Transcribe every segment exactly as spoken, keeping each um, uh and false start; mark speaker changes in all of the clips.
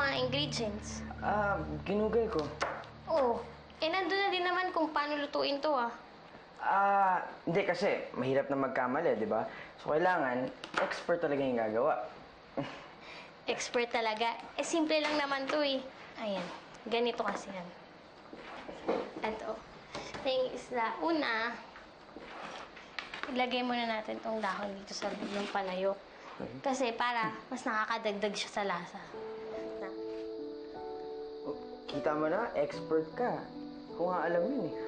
Speaker 1: mga ingredients?
Speaker 2: Ah, ginugay ko.
Speaker 1: Oo. Eh, nandun na din naman kung paano lutuin to, ah.
Speaker 2: Ah, hindi kasi mahirap na magkamali, di ba? So, kailangan expert talaga yung gagawa.
Speaker 1: Expert talaga. Eh, simple lang naman to, eh. Ayan. Ganito kasi yan. Ito. Ito yung isla. Una, ilagay muna natin tong dahon dito sa loob ng palayok. Kasi para mas nakakadagdag siya sa lasa. Na.
Speaker 2: Oh, kita mo na, expert ka. Kung nga alam yun eh.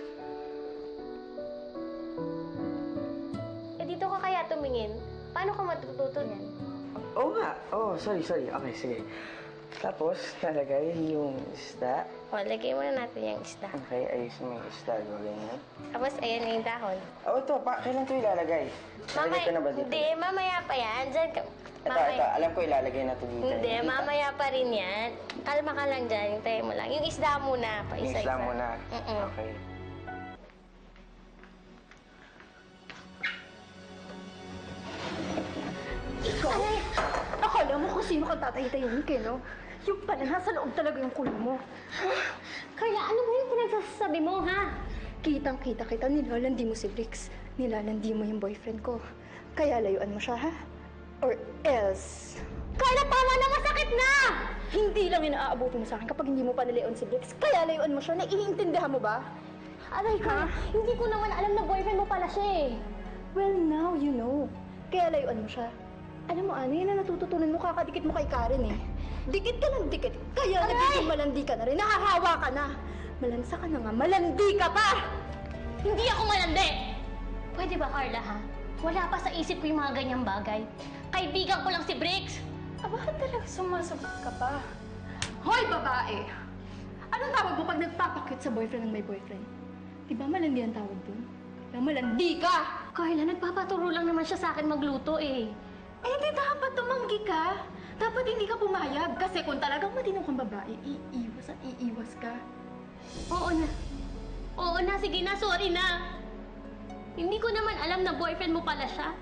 Speaker 1: Eh, dito ka kaya tumingin? Paano ka matututo niyan?
Speaker 2: Oo nga. Oh, sorry, sorry. Okay, sige. Tapos, nalagay yung isda.
Speaker 1: O, lagay muna natin yung isda.
Speaker 2: Okay, ayusin mo yung isda. Gawin yan.
Speaker 1: Tapos, ayan na yung dahon.
Speaker 2: Oh, ito. Pa, kailan ito ilalagay? Ilalagay ko na ba dito?
Speaker 1: Hindi, mamaya pa yan. Diyan ka.
Speaker 2: Ito, ito. Alam ko ilalagay na ito dito.
Speaker 1: Hindi, mamaya pa rin yan. Kalma ka lang dyan. Hintayin mo lang. Yung isda muna. Pa
Speaker 2: Yung
Speaker 1: isa-isa.
Speaker 2: isda muna.
Speaker 1: Mm-mm.
Speaker 2: Okay.
Speaker 3: Ikaw? Akala mo kung sino kang tatay-tayin ka, no? Yung pala, nasa loob talaga yung kulo mo.
Speaker 1: Carla, ano ba yung pinagsasabi mo, ha?
Speaker 3: Kitang-kita kita, nilalandi mo si Brix. Nilalandi mo yung boyfriend ko. Kaya layuan mo siya, ha? Or else...
Speaker 1: Carla, tama na! Masakit na!
Speaker 3: Hindi lang yung naaabuti mo sa akin kapag hindi mo pa nilayon si Brix. Kaya layuan mo siya. Naiintindihan mo ba?
Speaker 1: Aray ka, hindi ko naman alam na boyfriend mo pala siya, eh.
Speaker 3: Well, now you know. Kaya layuan mo siya. Alam mo, ano, yan na natututunan mo, kakadikit mo kay Karen, eh. Dikit ka ng dikit. Kaya
Speaker 1: Aray!
Speaker 3: nagiging malandi ka na rin. Nahahawa ka na. Malansa ka na nga. Malandi ka pa!
Speaker 1: Hindi ako malandi! Pwede ba, Carla, ha? Wala pa sa isip ko yung mga ganyang bagay. Kaibigan ko lang si Briggs.
Speaker 3: Ah, bakit talaga sumasagot ka pa? Hoy, babae! Anong tawag mo pag nagpapakyut sa boyfriend ng may boyfriend? Di ba malandi ang tawag dun? Kaya malandi ka!
Speaker 1: Carla, nagpapaturo lang naman siya sa akin magluto, eh.
Speaker 3: Eh, di dapat tumanggi ka. Dapat hindi ka pumayag. Kasi kung talagang matinong kang babae, iiwas at iiwas ka.
Speaker 1: Oo na. Oo na, sige na, sorry na. Hindi ko naman alam na boyfriend mo pala siya.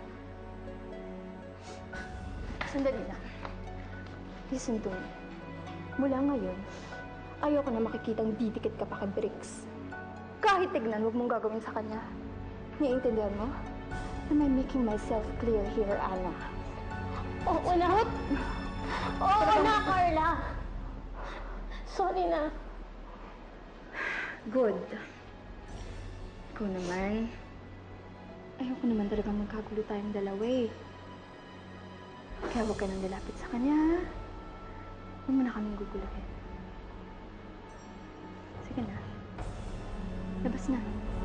Speaker 3: Sandali lang. Listen to me. Mula ngayon, ayoko na makikitang didikit ka pa kay Briggs. Kahit tignan, huwag mong gagawin sa kanya. Naiintindihan mo? Am I making myself clear here, Anna?
Speaker 1: Oo na. Oo na, Carla. Sorry na.
Speaker 3: Good. Ikaw naman. Ayoko naman talaga magkagulo tayong dalawa eh. Kaya huwag ka nang lalapit sa kanya. Huwag mo na kaming guguluhin. Sige na. Labas na.